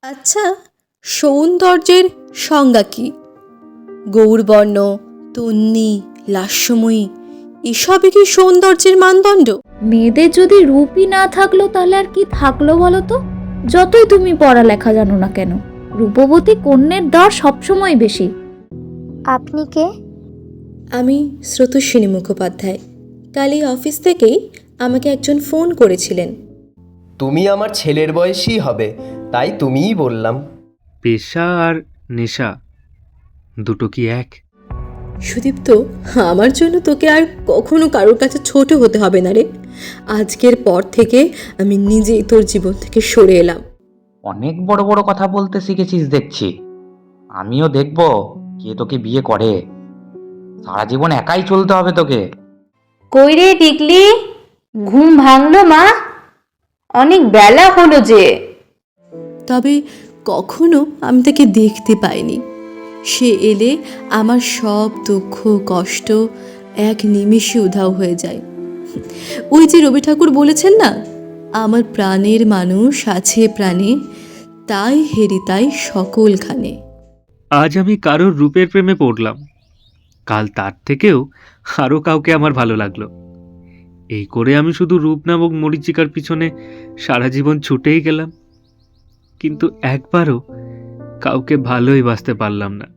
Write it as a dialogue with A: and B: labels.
A: আচ্ছা, সৌন্দর্যের সংজ্ঞা কি? গৌরবর্ণ, তন্বী, লাস্যময়ী এসবই কি সৌন্দর্যের মানদণ্ড?
B: মেয়েদের যদি রূপই না থাকলো তাহলে আর কি থাকলো বলো তো? যতই তুমি পড়ালেখা জানো না কেন, রূপবতী কন্যের দর সবসময় বেশি।
C: আপনি কে?
A: আমি স্রোতস্বিনী মুখোপাধ্যায়। কাল এই অফিস থেকেই আমাকে একজন ফোন করেছিলেন।
D: তুমি আমার ছেলের বয়সী হবে, তাই তুমিই বললাম।
E: পেশা আর নেশা দুটো কি এক?
A: সুদীপ্ত, আমার জন্য তোকে আর কখনো কারোর কাছে ছোট হতে হবে না রে। আজকের পর থেকে আমি নিজেই তোর জীবন থেকে সরে এলাম।
F: অনেক বড় বড় কথা বলতে শিখেছিস দেখছি। আমিও দেখব কে তোকে বিয়ে করে। সারা জীবন একাই চলতে হবে তোকে।
G: কই রে টিকলি, ঘুম ভাঙলো মা? অনেক বেলা হলো যে।
A: তবে কখনো আমি তাকে দেখতে পাইনি। সে এলে আমার সব দুঃখ কষ্ট এক নিমেষে উধাও হয়ে যায়। ওই যে রবি ঠাকুর বলেছেন না, আমার প্রাণের মানুষ আছে প্রাণে, তাই হেরি তাই সকলখানে।
E: আজ আমি কারোর রূপের প্রেমে পড়লাম, কাল তার থেকেও আরও কাউকে আমার ভালো লাগলো। এই করে আমি শুধু রূপ নামক মরীচিকার পিছনে সারা জীবন ছুটেই গেলাম, কিন্তু একবারও কাউকে ভালোই বাসতে পারলাম না।